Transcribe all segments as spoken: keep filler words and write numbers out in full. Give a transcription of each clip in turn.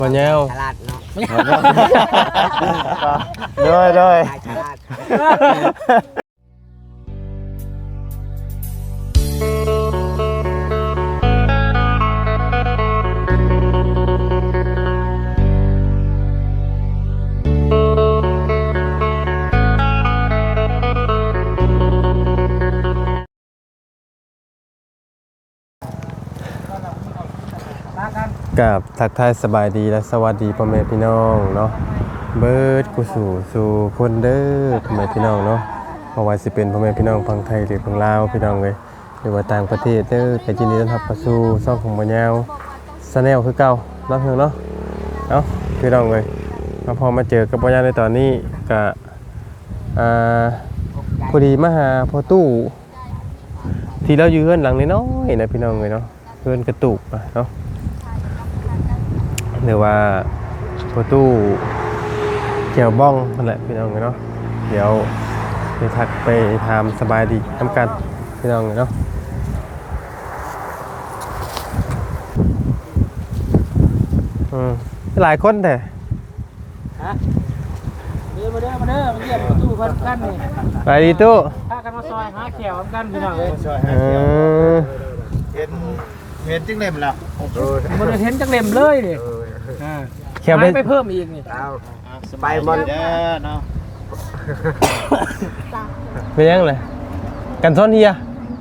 บ่แนวฉลาดเนาะด้วยด้วยฉลาดกับทักทายสบายดีและสวัสดีพ่อแม่พี่น้องเนาะเบิร์ดกูสู่สู่คนเด้อพ่อแม่พี่น้องเนาะเพราะว่าสิเป็นพ่อแม่พี่น้องฝั่งไทยหรือฝั่งลาวพี่น้องเลยหรือว่าต่างประเทศเด้อก็ยินดีต้อนรับเข้าสู่ช่องของบ่ยาวชาแนลคือเก่าเนาะเพิ่นเนาะเอ้าพี่น้องเลยมาพอมาเจอกับบ่ยาวในตอนนี้ก็อ่าพอดีมาหาพ่อตู้ที่เราอยู่เฮือนหลังน้อยๆนะพี่น้องเลยเนาะเฮือนกระตุกเนาะหรือว่าประตูเกี่ยวบ้องนั่นแหละพี่น้องเนาะเดี๋ยวไปทักไปทำสบายดีทำกันพี่น้องเนาะอืมหลายคนแต่ฮะเด้อมาเด้อมาเด้อมาเยี่ยมประตูพันกันนี่ไปดีตู้พากันมาซอยหาแขวกันพี่น้องเอ้ยเห็นเห็นจึงเล่มแล้วมันเห็นจังเล่มเลยนี่อ่าแค่ไปเพิ่มอีกนี่เอาไปหมดเด้อเนาะเป็นยังไงกันซ้อนเฮีย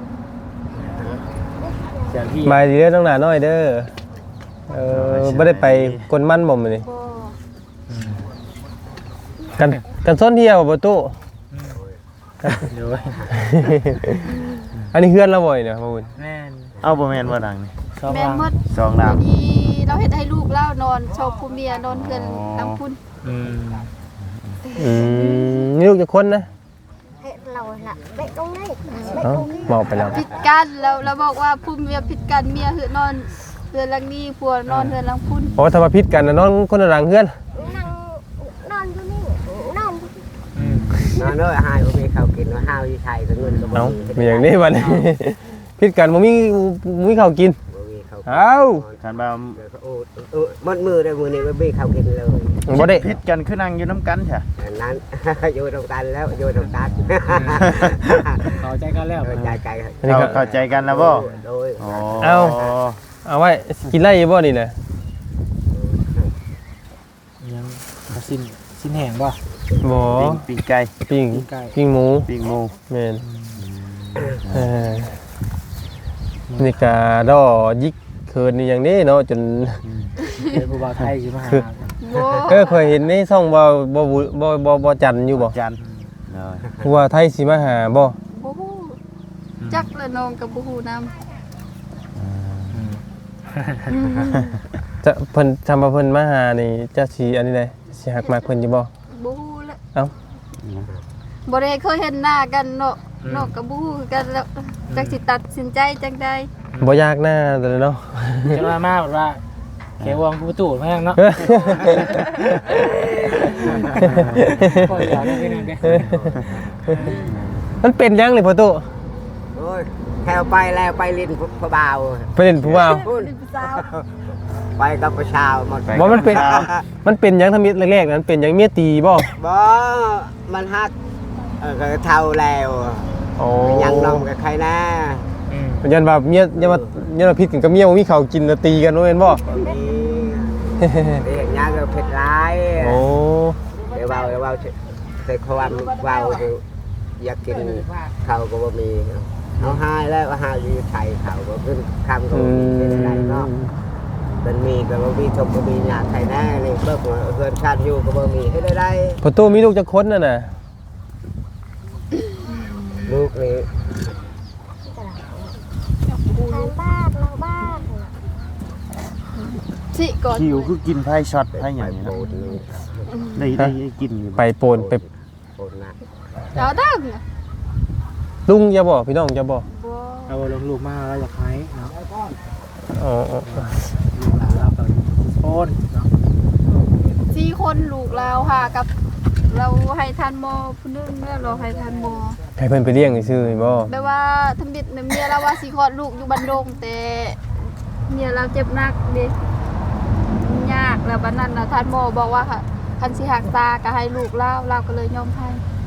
มาดีเด้อต้องหนาน้อยเด้อเออไม่ได้ไปกลมันบ่มเลยกันกันซ้อนเฮียบ่ประตูอันนี้เฮือนเราบ่อยเนี่ยพ่อบุญแม่นเอาบ่แม่นว่าดังนี่แม่นหมดสองดังนี่เราเฮ็ดให้ลูกเล่านอนโชว์ผู้เมียนอนเพื่อนทั้งพุ่นอืมอืมนี่ลูกจะคนนะเฮ็ดเราล่ะไปตรงนี้เอ้าบอกไปแล้วผิดกันแล้วเราบอกว่าผู้เมียผิดกันเมียคือนอนเพื่อนหลังนี้ผัวนอนเพื่อนหลังพุ่นเพราะว่าถ้ามาพิษกันนะนอนคนละหลังเฮือนนั่งนอนอยู่นี่นอนอืมนอนเลยหายบ่มีข้าวกินว่าห้าวอยู่ไทยก็เงินก็บ่เอ้ามีมีอย่างนี้บัดนี้พิษกันบ่มีบ่มีข้าวกินบ่มีข้าวเอ้าคันว่าโอ้เออมัดมือได้มื้อนี้บ่มีข้าวกินเลยบ่ได้ผิดกันคือนั่งอยู่น้ำกันใช่อันนั้น อยู่ตรงกันแล้วอยู่ตรงกันเข้าใจกันแล้วใจใจเราเข้าใจกันแล้วบ่โดยเอ้าเอาไว้กินไรบ่นี่น่ะยังสิ้นสิ้นแห้งบ่บ่ปิ้งปิ้งไก่ปิ้งปิ้งไก่ปิ้งหมูปิ้งหมูแม่นเออนี่ก็ดอยิกเคินนี่อย่างนี้เนาะจนเป็นผู้บ่าวไทยสิมาหาโว้เออเคยเห็นในช่องบ่บ่บ่บ่บ่จันอยู่บ่จันเลยผู้ว่าไทยสิมาหาบ่บ่ฮู้จักละน้องกับบ่ฮู้นำจะเพิ่นทำมาเพิ่นมาหานี่จะสิอันนี้ได้สิหักมากเพิ่นอยู่บ่บ่ฮู้ละเอ้าบ่ได้เคยเห็นหน้ากันเนาะเนาะกับบ่ฮู้คือกันแล้วจักสิตัดสินใจจังได๋บ่ยากหน้าแต่เนาะจะมามาบอกว่าแขวงประตูแม่งเนาะก็อยากได้เป็นนั่นเด้มันเป็นยังนี่พ่อตู้โอ้ยแถวไปแล้วไปลิ้นผู้บ่าวไปเล่นผู้บ่าวเป็นผู้สาวไปกับประชาวหมดบ่มันเป็นมันเป็นยังทำมิตรแรกๆนั้นเป็นยังเมียตีบ่บ่มันฮักเออก็เท่าแล้วโอ้ยังนมกับใครนะอืมยันว่าเมียยันว่ายันว่าพิษกันกับเมียบ่มีข้าวกินแล้วตีกันบ่แม่นบ่มีเรียกยาก็เผ็ดร้ายโอ้เดี๋ยวเบาเดี๋ยวเบาเคยความเบาอยากกินข้าวก็บ่มีเอาหายแล้วหายอยู่ไทยข้าวก็ขึ้นคำก็บ่มีเป็นไรเนาะเป็นมีก็บ่มีทบก็มีหยาไทยแน่นี่เบิกเพื่อนชาติอยู่ก็บ่มีให้ได้ได้พ่อตู้มีลูกจักคนน่ะน่ะลูกนี่บ้านเราบ้านสิก่อนคิวคือกินไพ่ช็อตไพ่อย่างนี้โบนะดนี่ได้ได้กินอยู่ไปโปนไปโบดนะเอาดังลุงอย่าบ่พี่น้องอย่าบ่บ่เอาลงลูกมาแล้วอยากให้เนาะอ๋อลูกหลานเราก็โอนเนาะสี่คนลูกเราหากับเราให้ทานหมอผู้นึงแล้วเราให้ทานหมอให้เพิ่นไปเลี้ยงซื่อๆบ่แปลว่าทำบิดเมียเราว่าสิคลอดลูกอยู่บันดงแต่เมียเราเจ็บหนักเด้ยากแล้วบัดนั้นน่ะท่านหมอบอกว่าค่ะคันสิหักตาก็ให้ลูกเล่าเราก็เลยยอมให้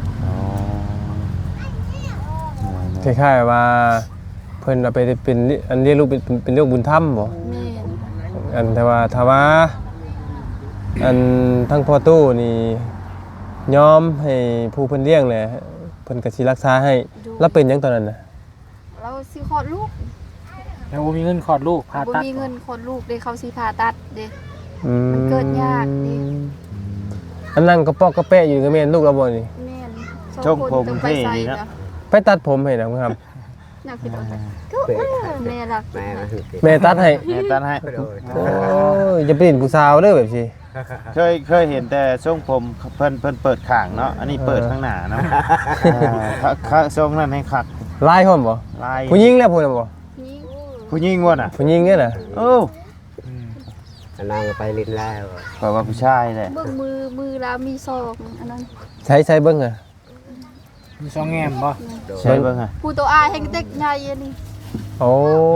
คล้ายๆว่าเพิ่นเอาไปเป็นอันเรียกลูกเป็นเป็นเรื่องบุญธรรมบ่แม่นอันแต่ว่าถ้าว่าอันทั้งพ่อตู้นี่ยอมให้ผู้เพิ่นเลี้ยงแหละเพิ่นก็สิรักษาให้แล้วเป็นหยังตอนนั้นน่ะเราสิคลอดลูกแล้วบ่มีเงินคลอดลูกผ่าบ่ตัดมีเงินคลอดลูกเด้เขาสิผ่าตัดเด้อืมันเกิดยากดิอันนั้นก็ปอกก็แปะอยู่ก็แม่นลูกเราบ่นี่แม่นชงผมต้องไปเท่ใส่ดีนะจ้ะไปตัดผมให้นะครับอยากคิดว่าก็แม่รักแม่มันคือแม่ตัดให้แม่ตัดให้โดยโอ้ยอย่าไปเล่นผู้สาวเด้อแบบสิเคยเคยเห็นแต่ทรงผมเพิ่นเพิ่นเปิดข้างเนาะอันนี้เปิดข้างหน้าเนาะอ่าข้างทรงนั้นให้คักลายพร้อมบ่ลายผู้หญิงแล้วพุ่นน่ะบ่นี่ผู้หญิงบ่น่ะผู้หญิงเนี่ยน่ะโอ้อันนั้นก็ไปลิ้นแล้วแปลว่าผู้ชายแหละเบิ่งมือมือเรามีศอกอันนั้นใช้ใช้เบิ่งอ่ะมีสองแง้มบ่ใช่เบิ่งอ่ะผู้ตัวอายแห่งเด็กใหญ่อันนี้โอ้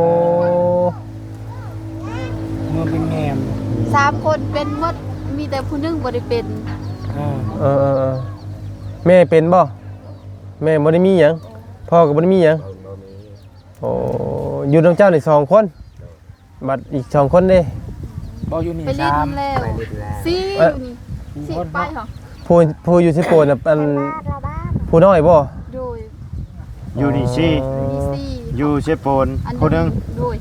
มือเป็นแง้มสามคนเป็นหมดมีแต่ผู้หนึงบ่ได้เป็นอ่าเออเออเออแม่เป็นบ่แม่บ่ได้มีหยังพ่อก็บ่ได้มีหยังบ่บ่มีโอ้อยู่นำเจ้านี่สองคนบัดอีกสองคนเด้บ่อยู่นี่ไปลิ้นสามแล้วไปลิ้นแล้วสี่อยู่นี่สี่ไปเหรอผู้ผู้อยู่สิโปนน่ะอันผู้น้อยบ่โดยอยู่นี่ซี่มีสี่อยู่เชฟโปนอันคนหนึงโดย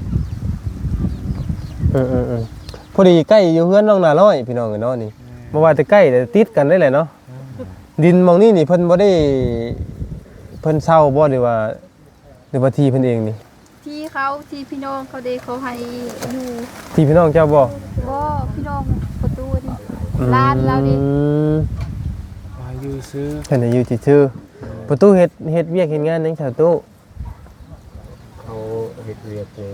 เออเออเออพอดีใกล้อยู่เฮือนน้องนาน้อยพี่น้องเอ้ยเนาะนี่บ่ว่าแต่ใกล้แต่ติดกันได้แหละเนาะดินหมองนี้นี่เพิ่นบ่ได้เพิ่นเช่าบ่หรือว่าหรือว่าที่เพิ่นเองนี่ที่เขาที่พี่น้องเขาเดเขาให้อยู่ที่พี่น้องเจ้าบ่บ่พี่น้องประตูนี่ร้านเราดิอืมมาอยู่ซื้อเพิ่นน่ะอยู่ซื่อๆประตูเฮ็ดเฮ็ดเวียกเฮ็ดงานหยังชาวตู้เขาเฮ็ดเวียกนี่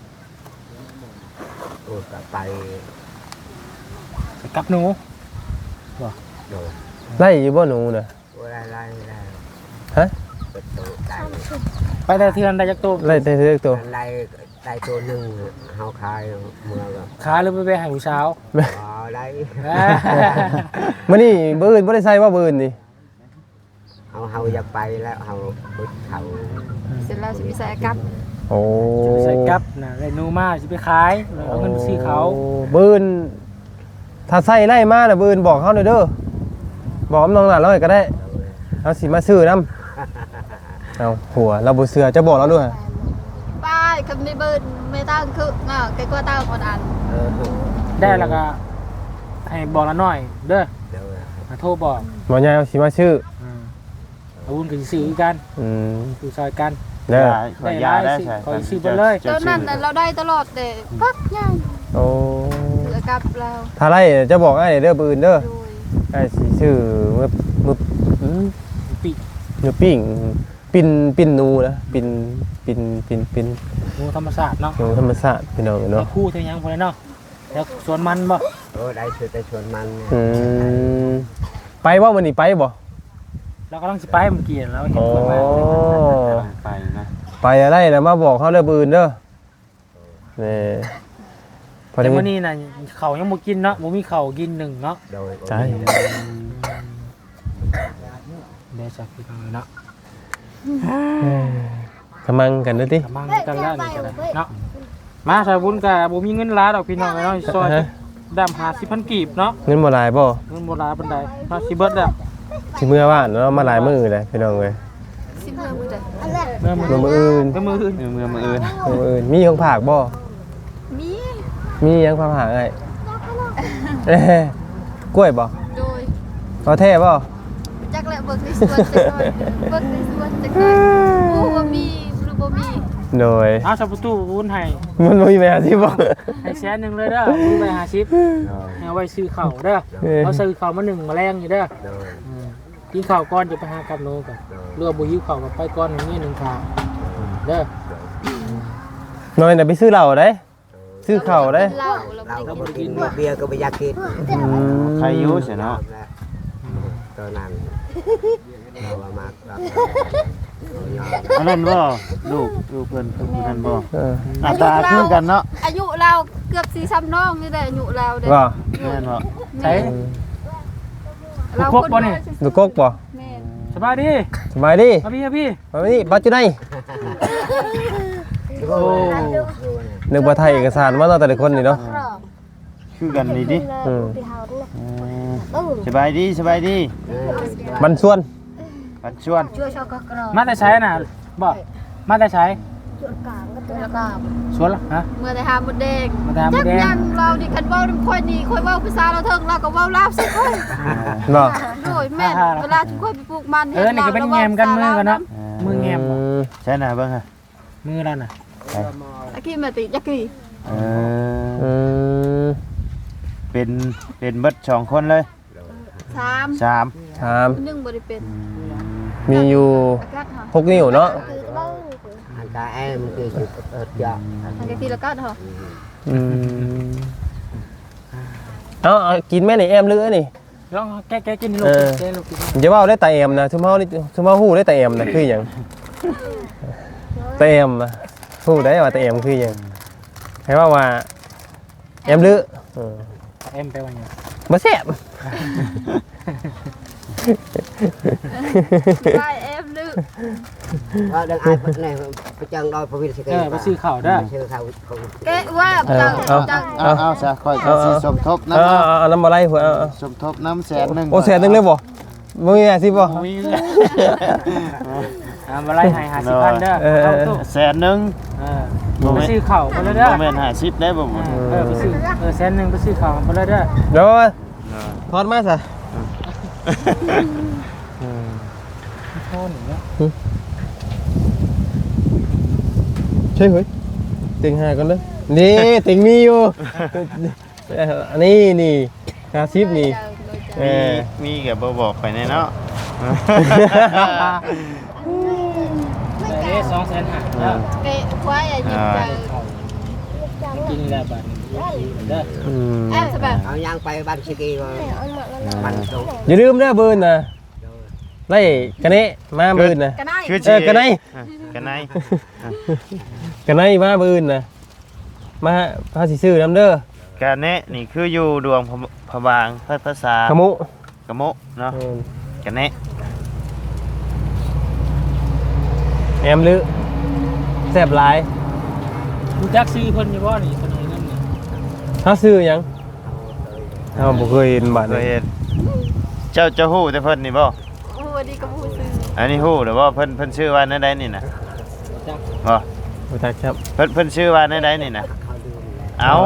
โอ้ก็ไปไปกับหนูโดยไล่อยู่บ่หนูน่ะบ่ได้ไล่ได้ฮะเปิดตัวได้ไปได้เทือนได้จักตัวไล่แต่เทือกตัวไล่ได้ตัวหนึงเฮาขายเมื่อก็ขาหรือไปไปให้ผู้สาวบ่ได้มื้อนี้มื้ออื่นบ่ได้ใส่ว่ามื้ออื่นนี่เฮาเฮาอยากไปแล้วเฮาบึดเขาเสร็จแล้วสิไปใส่กับโอ้จะไปใส่กับน่ะได้หนูมาสิไปขายแล้วเอาเงินไปซื้อเขามื้ออื่นถ้าใส่ไล่มาน่ะมื้ออื่นบอกเฮาหน่อยเด้อบอกน้องหลานเราให้ก็ได้เฮาสิมาซื้อนํเอาหัวเราบ่เชื่อจะบอกเราด้วยไปคันไม่เบิ่นไม่ตั้งคืออ่าไกลกว่าตั้งคนอันเออได้แล้วก็ให้บอกละหน่อยเด้อเดี๋ยวมาโทรบอกหมอใหญ่เอาสิมาซื้ออืมเอาวุ้นก็สิซื้อกันอืมซื้อซอยกันเด้อขอยยาได้ใช่ขอซื้อไปเลยตอนนั้นน่ะเราได้ตลอดแต่พักยังโอ้เหลือกับเราถ้าไล่จะบอกอ้ายเด้อมื้ออื่นเด้อโดยอ้ายสิซื้อมื้อมื้ออืมปีกเนื้อปิ้งปิ้นปิ้นหนูนะปิ้นปิ้นปิ้นปิ้นหมูธรรมศาสตร์เนาะหนูธรรมชาติพี่น้องเนาะเนาะคู่เท่ายังพอแล้วเนาะแล้วสวนมันบ่โอ้ได้ชวนได้ชวนมันเนี่ยอืมไปบ่มื้อนี้ไปบ่เรากำลังสิไปเมื่อกี้แล้วเห็นโอ้สวนมันไปนะไปอะไรแล้วมาบอกเขาเด้อมื้ออื่นเด้อนี่พอแต่ได้วันนี้น่ะเขายังบ่กินเนาะบ่มีเขากินหนึ่งเนาะโดยใช่เดี๋ยวจะพี่น้องเนาะกำลังกันเด้อติกำลังกันแล้วนี่ก็ได้เนาะมาสายบุญก็บ่มีเงินหลายดอกพี่น้องเนาะซอยดำห้าสิบพันกีบเนาะเงินบ่หลายบ่เงินบ่หลายปานใดเนาะสิเบิดแล้วสิเมื่อว่านเนาะมาหลายมื้อเลยพี่น้องเอ้ยสิเมื่อมื้อใดเมื่อมือมื้ออื่นเมื่อมืออื่นเมืองมืออื่นมื้ออื่นมีของฝากบ่มีมีหยังฝากหาไอ้เอ้ยกล้วยบ่โดยเอาแท้บ่จักแหละเบิกในสวนจักหน่อยเบิกในสวนจักหน่อยบ่ว่ามีหรือบ่มีโดยเอาสับประตูวุ้นให้มันบ่มีแม่ที่บ่ให้แสนหนึงเลยเด้อวุ้นไปห้าสิบเอาไว้ซื้อข้าวเด้อเอาซื้อข้าวมาหนึ่งแมลงอยู่เด้อโดยอืมกินข้าวก่อนจะไปหากับโนกันเรือบุหิวข้าวกับไปก่อนอย่างนี้หนึ่งข้าวเด้อน้อยน่ะไปซื้อเหล้าได้ซื้อข้าวได้เหล้าเราบ่เราได้ก็กินกินเบียร์ก็ไม่อยากกินอืมใครอยุ่เสียเนาะตอนนั้นเราว่ามากครับอันนั้นบ่ลูกลูกเพิ่นคือนั่นบ่เออหน้าตาคือกันเนาะอายุเราเกือบสี่ซ้ำน้องนี่แหละอายุเราเด้ว่าแม่นบ่ใช่เราครบบ่นี่ดูกกบ่แม่นสบายดีสบายดีมาพี่มาพี่มานี่ปัจจุบันโอ้นึกว่าไทยเอกสารมาเนาะแต่ละคนนี่เนาะคือกันนี่ดิอืมเออสบายดีสบายดีบันส่วนปันชวนมาแต่ใช้น่ะบ่มาแต่ใช้แล้วก็สวนละฮะเมื่อได้หาหมดแดงมาแต่หาหมดแดงจักยังเราดิคันเว้าค่อยนี่ค่อยเว้าภาษาเราเทิงเราก็เว้าลาวใส่ค่อยเนาะโอ้ยแม่นเวลาที่ค่อยไปปลูกมันเออนี่ก็เป็นแงมกันมือกันเนาะมือแงมบ่ใช่น่ะเบิ่งฮะมือแล้วน่ะตะกี้มาติจักกี้เออือมเป็นเป็นเบิดสองคนเลยสามสามถามหนึ่งบ่ได้เป็นมีอยู่อากาศเหรอหกนิ้วเนาะอันตาแอมคือสุดเอิดยอดอันนี้ทีละกัดเหรออืมเอาเอากินแม่นี่แอมเลือนี่ลองแก้ๆกินลูกแก้ลูกกินอย่าว่าได้แต่แอมนะชุมเฮานี่ชุมเฮาฮู้ได้แต่แอมนะคือหยังแต่แอมนะฮู้ได้ว่าแต่แอมคือหยังให้ว่าว่าแอมเลือเออเอ็มไปว่าหยังบ่แซ่บได้เอฟลึกก็ดังไอ้พวกนี้ไปจังดอยพระวิทย์สิเออไปซื้อข้าวเด้อชื่อเขาเขาแกว่าจังจังเอาเอาซะค่อยสิสมทบเอาน้ำเอาเอาน้ำบ่ไหลหัวเอาเอาสมทบน้ำแสนหนึงโอ้แสนหนึงเลยบ่บ่มีอาชีพบ่มีอ่ามาไล่ให้ห้าสิบพันเด้อเข้าตู้แสนหนึงเออไปซื้อข้าวมาเลยเด้อบ่แม่นห้าสิบได้บ่หมดเออไปซื้อเออแสนหนึงไปซื้อข้าวมาเลยเด้อเดี๋ยวทอดมาซะโทษหนึ่งเนาะใช่เฮ้ยติงหากันเด้อนี่ติงมีอยู่อันนี้นี่ห้าสิบนี่เอมีอมีก็บ่บอกไปแน่เนาะแต่เด้สองแสนห้าเด้อเกะควายอ่ะยิบจังกินแล้วบัดเด้ออืมเออสบายเอาย่างไปบ้านชิกีก็มันตรงอย่าลืมเด้อเบิร์นนะไล่กันนี้มาเบิร์นนะกันได้คือเออกันไหนกันไหนกันไหนมาเบิร์นนะมาพาสิซื้อน้ำเด้อกันเนะนี่คืออยู่ดวงพระบางภาษาขมุกะโมะเนาะเออกันเนะแอมลือแซ่บหลายรู้จักซื้อเพิ่นอยู่บ่นี่คนนี้นั่นนี่ถ้าซื้อหยังเราบ่เคยเห็นบัตรเคเลย ยเห็นเจ้าเจ้าฮู้แต่เพิ่นนี่บ่โอ้ดีกับผู้ซื้ออันนี้ฮู้หรือว่าเพิ่นเพิ่นชื่อว่าแนวใดนี่น่ะจักบ่บ่จักครับเพิ่นเพิ่นชื่อว่าแนวใดนี่น่ะเอ้า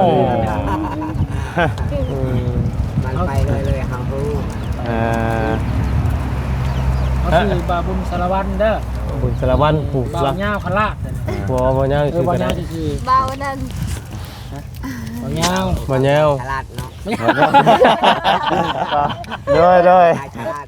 อืมมันไปเลยเลยเฮาฮู้เออเขาซื้อบาบุญสารวัตรเด้อบุญสารวัตรผูกบ่าละวย่าวพลาดบ่บ่ยาวเออซื้อบ่ากัวน ย่าวซื่อเบานั่นๆบ่าวยาวบ่ยาวฉลาดเนาะโดยโดยฉลาด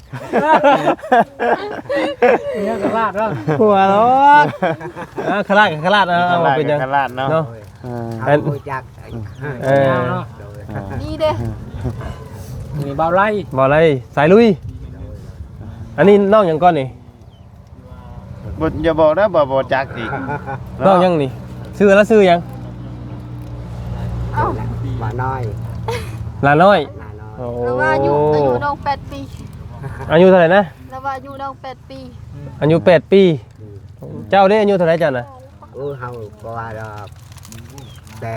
เนี่ยก็ลาดเด้อหัวรถอ่าขลาดขลาดเอาเอามาเป็นหยังขลาดเนาะเนาะเออเฮาฮู้จักเออยาวเนาะนี่เด้นี่บ่าวไล่บ่อะไรสายลุย อันนี้น้องหยังก่อนนี่บ่อย่าบอกนะบ่บ่จักอีกน้องหยังนี่ซื้อแล้วซื้อหยังเอ้าว่าน้อยหลานน้อยหน้าน้อยโอ้แล้วว่าอายุอายุน้องแปดปีอายุเท่าไหร่นะแล้วว่าอายุน้องแปดปีอายุแปดปี เจ้าได้อายุเท่าไหร่จ้ะน่ะอู้เฮาบ่ว่าดอกแต่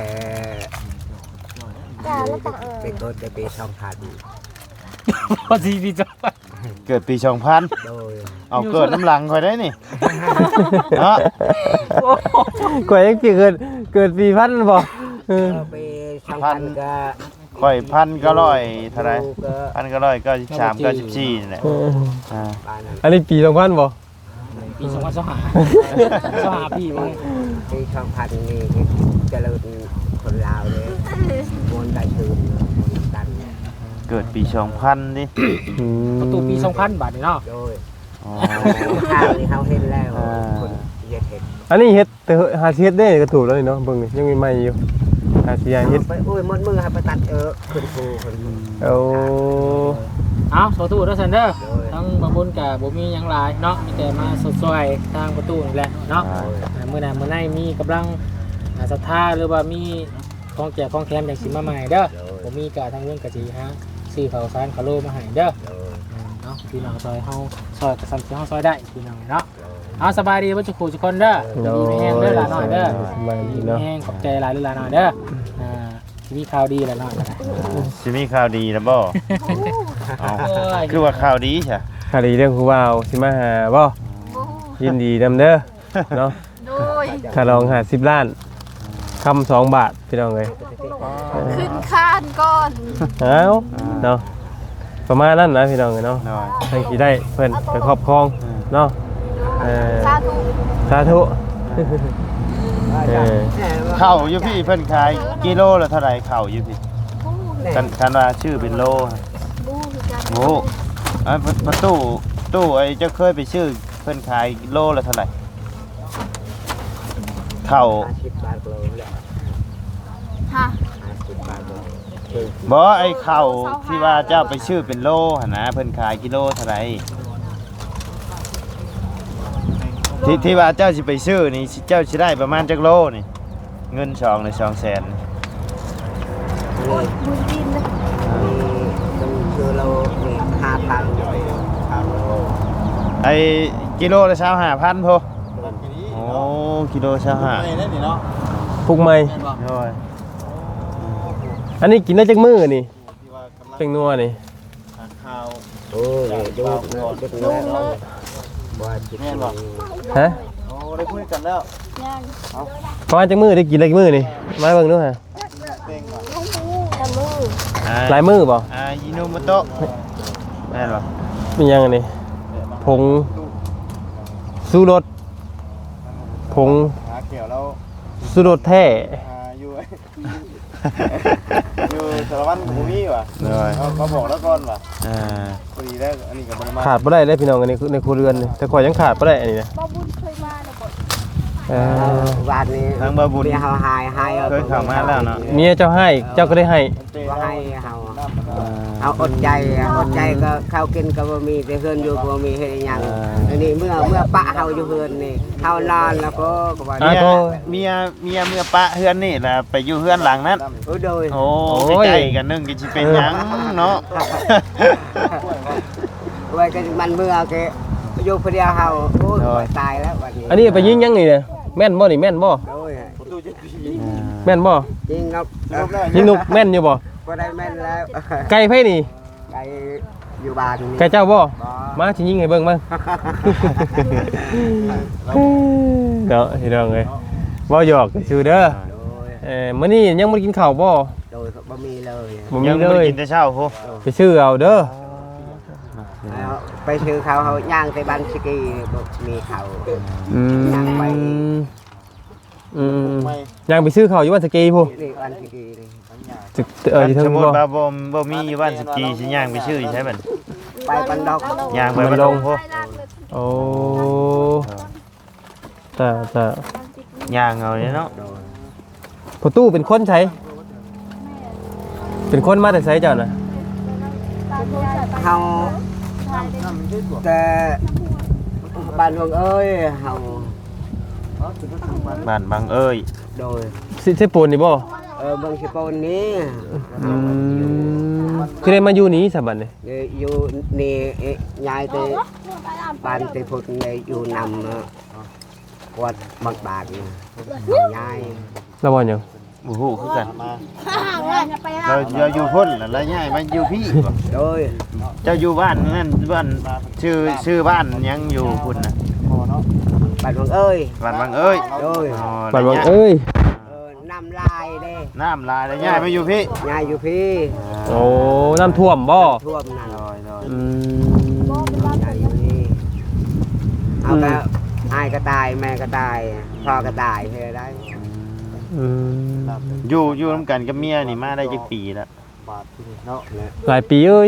เป็นคนแต่ปีสองพันพอสิพี่จ้ะเกิดปีสองพันโดยเอาเกิดน้ำหลังค่อยได้นี่เนาะกว่ายังปีเกิดเกิดปีพันบ่เออปีสองพันก็ค่อยพันก็ร้อยเท่าไหร่ก็พันก็ร้อยเก้าสิบสามเก้าสิบสี่นี่แหละเอออ่าบ้านนั้นอันนี้ปีสองพันบ่ปีสองพันสองห้าสองห้าพี่บ่ปีสองพันนี่เจริญคนลาวเลยมวนได้ตื่นมวนกันเกิดปีสองพันดิอืมประตูปีสองพันบาทนี่เนาะโดยอ๋อข้าวนี่เขาเห็นแล้วอ่าคนเย็ดเห็ดอันนี้เฮ็ดแต่หาสิเฮ็ดได้ก็ถูกแล้วนี่เนาะเบิ่งนี่ยังมีใหม่อยู่อาสิยาเฮ็ดไปโอ้ยหมดมือให้ไปตัดเออขึ้นภูขึ้นภูโอ้เอาโซตู้เด้อซันเด้อทั้งบางบุญกับบ่มีหยังหลายเนาะมีแต่มาสดซอยทางประตูนี่แหละเนาะอ่ามื้อหน้ามื้อในมีกำลังอ่าศรัทธาหรือว่ามีของแจกของแถมอย่างสิมาใหม่เด้อบ่มีก็ทางเรื่องก็สิหาซื้อข้าวสารข้าวโลมาให้เด้ออืมเนาะพี่น้องซอยเฮาซอยก็ซ้ํที่เฮาซอยได้พี่น้องเนาะเอาสบายดีเบ่ทุกผู้ทุกคนเด้อดีมีแฮงเด้อหลานน้อยเด้อสบายดีดีมีเนาะแฮงขอบใจหลายหลานน้อยเด้ออ่ามีข่าวดีหลานน้อยนะสิมีข่าวดีแล้วบ่เอาคือว่าข่าวดีใช่คดีเรื่องผู้ว่าวสิมาหาบ่บ่ยินดีนำเด้อเนาะโดยค่าลองหาสิบล้านคำสองบาทพี่น้องเอ้ยขึ้นคานก่อนเอ้าเนาะประมาณนั้นนะพี่น้องเอ้ยเนาะน้อยให้สิได้เพิ่นไปครอบครองเนาะเออสาธุสาธุเออเข้าอยู่พี่เพิ่นขายกิโลละเท่าไหร่เข้าอยู่พี่บู้กันกันว่าชื่อเป็นโลบู้คือกันโอ้อ่ะประตูตู้ไอ้เจ้าเคยไปชื่อเพิ่นขายโลละเท่าไหร่เข้าห้าสิบบาทโลแหละฮะห้าสิบบาทโลบ่ไอ้เข้าที่ว่าเจ้าไปชื่อเป็นโลหั่นนะเพิ่นขายกิโลเท่าไหร่ที่ที่ว่าเจ้าสิไปชื่อนี่เจ้าสิได้ประมาณจักโลนี่เงินสองหรือสองแสนโอ้ยมือดินเลยมีต้องคือเรามีห้าพันเลยห้าโลไอ้กิโลละยี่สิบห้าพันพอโอ้กิโลยี่สิบห้าปลุกใหม่โอ้ยอันนี้กินได้จักมื้อนี่เป็นนัวนี่โอ้ยดูดูดูแล้วบ่จิตแม่บ่ฮะโอ้ได้คุยกันแล้วย่างประมาณจักมื้อได้กินได้จักมื้อนี่มาเบิ่งดูฮะตะมือหลายมื้อบ่อ่ายิโนโมโตะแม่นบ่มีหยังอันนี้ผงสูรสผงหาเกี่ยวแล้วสูรสแท้อ่าอยู่ อยู่สารวัตรบ่มีว่ะเขาเขาบอกแล้วก่อนว่ะอ่าพอดีแล้วอันนี้ก็บ่ได้มาขาดบ่ได้เลยพี่น้องอันนี้ในครัวเรือนนี่แต่ข่อยยังขาดบ่ได้อันนี้นะบ่บุญเคยมาแล้วบ่เออวันนี้ทางบ่บุญมีเฮาหายหายเคยเข้ามาแล้วเนาะเมียเจ้าให้เจ้าก็ได้ให้ว่าให้เฮาเอาอดใจอดใจก็ข้าวกินก็บ่มีแต่เฮือนอยู่ก็บ่มีเฮ็ดหยังอันนี้เมื่อเมื่อปะเฮาอยู่เฮือนนี่เฮานอนแล้วก็ก็ว่าเมียเมียเมียเมื่อปะเฮือนนี่ล่ะไปอยู่เฮือนหลังนั้นโอ้โดยโอ้ใกล้ๆกันนึงก็สิเป็นหยังเนาะไว้ก็มันเมื่อแกอยู่คนเดียวเฮาโอ้ยตายแล้ววันนี้อันนี้ไปยิงยังนี่เนี่ยแม่นบ่นี่แม่นบ่โอ้ยแม่นบ่จริงครับยิงนกแม่นอยู่บ่บ่ได้แม่นแล้วไก่ไผนี่ไก่อยู่บ้านนี่ไก่เจ้าบ่มาสิยิงให้เบิ่งมั้งเนาะพี่น้องเอ้ยบ่หยอกซื่อเด้อโอ้ยเอ่อมื้อนี้ยังบ่ได้กินข้าวบ่โดยบ่มีเลยบ่มียังเลบ่ได้ยกินแต่เช้าโหไปซื้อเอาเด้อแล้วไปซื้อเขาเขาย่างไปบ้านสกีบ่มีเขาอืมย่างไปอืมยังไปซื้อข้าวอยู่บ้านสกีพู้นี่บ้านสกีนี่จึกเออที่เทิสงมมุบ่ติว่าบ่บ่มีอยู่บ้านสกีสิย่างไปชื่อใช่บัดไปบันดอกย่างไปบ่ลงโหโอ้ตาตาย่างเอาเนี่ยเนาะประตูเป็นคนใช้เป็นคนมาแต่ไสเจ้าน่ะเขาแต่บ้านหลวงเอ้ยเขาบ้านบางเอ้ยโดยสิใช่ปูนนี่บ่เออเบางสิโปนนี้อืมคือได้มาอยู่นี้ซะบัดนี้นี่อยู่นี่เอ๊ะยายไปบ้านไปพุทธนี่อยู่นำเอ่อวัดบางบาทนี่ยายแล้วบ่หยังบ่ฮู้คือกันเราเราอยู่พุ่นแล้วแล้วย้ายมาอยู่พี่บ่โดยเจ้าอยู่บ้านนั่นบ้านชื่อชื่อบ้านยังอยู่พุ่นน่ะบ้านหลวงเอ้ยบ้านบางเอ้ยโดยอ๋อบัดว่าแล้วย้ายเอ้ยเออน้ำลายเด้น้ำลายแล้วย้ายมาอยู่พี่ยายอยู่พี่โอ้น้ำท่วมบ่ท่วมนั่นอืมยายอยู่นี่เอาไปอายก็ตายแม่ก็ตายพ่อก็ตายเฮ้ยได้อืมอยู่อยู่นํกันกับเมียนี่มาได้จักปีแล้วหลายปีเอ้ย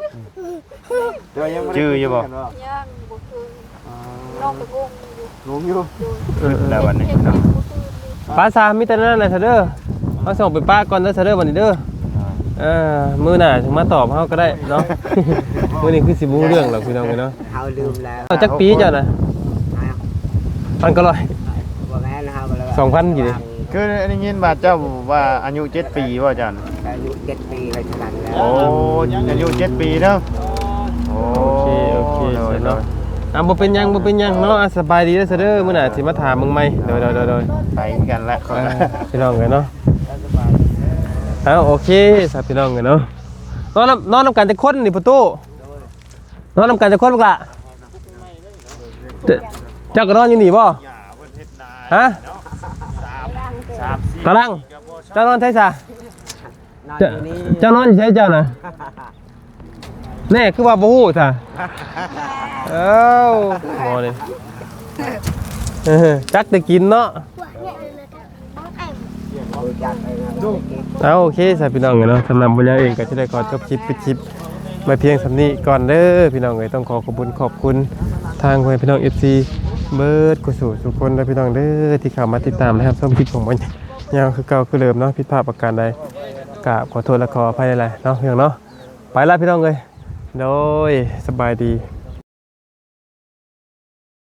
ชื่ออยู่บ่ย่างบ่คืนน้องไปงงอยู่เออแล้ววันนี้เนาะปลาซามีแต่นั้นแหละเถอะเด้อเอาส่งไปป้าก่อนเด้อซะเด้อบัดนี้เด้อเออมื้อหน้าถึงมาตอบเฮาก็ได้เนาะ มื้อนี้คือสิบ่รู้เรื่องหรอกพี่น้องเอ้ยเนาะเฮาลืมแล้วเอาจักปีเจ้าน่ะพันก็ร้อยบ่แม่นเฮาก็เลยสองพันกี่ดิคือได้ยินว่าเจ้าว่าอายุเจ็ดปีว่าอาจารย์อายุเจ็ดปีเลยฉะนั้นแล้วโอ้อายุเจ็ดปีเด้อโอ้โอเคโอเคโดยโดเนาะยอ่ะบ่เป็นหยังบ่เป็นหยังเนาะอ่ะสบายดีเด้อซะเด้อมื้อหน้าสิมาถามมึงใหม่โดยโดยโดยโดยไปกันแล้วเออพี่น้องกันเนาะเอาโอเคสับพี่น้องกันเนาะนอนนำนอนนำกันจะคนนี่ประตูนอนนำกันจะคนบ่ล่ะเจ้าเจ้าก็นอนอยู่นี่บ่ฮะตารางเจ้านอนใช่ซะนอนอเจ้ายู่นี่เจ้านอนอยู่ใช่เจ้าน่ะแน่คือว่าบ่ฮู้ซะเอ้าหมอนี่เออจักได้กินเนาะรู้จักไปนะดูเอาโอเคสายพี่น้องเนาะสำหรับวันนี้เองก็จะได้ขอจบคลิปปิดคลิปมาเพียงสำนี้ก่อนเด้อพี่น้องเอ้ยต้องขอขอบคุณขอบคุณทางพี่น้อง เอฟ ซี เบิร์ดกุศลทุกคนและพี่น้องเด้อที่เข้ามาติดตามนะครับชมคลิปของมันยาวคือเก่าคือเดิมเนาะผิดพลาดประการใดกราบขอโทษและขออภัยหลายๆเนาะพี่น้องเนาะไปละพี่น้องเอ้ยโดยสบายดี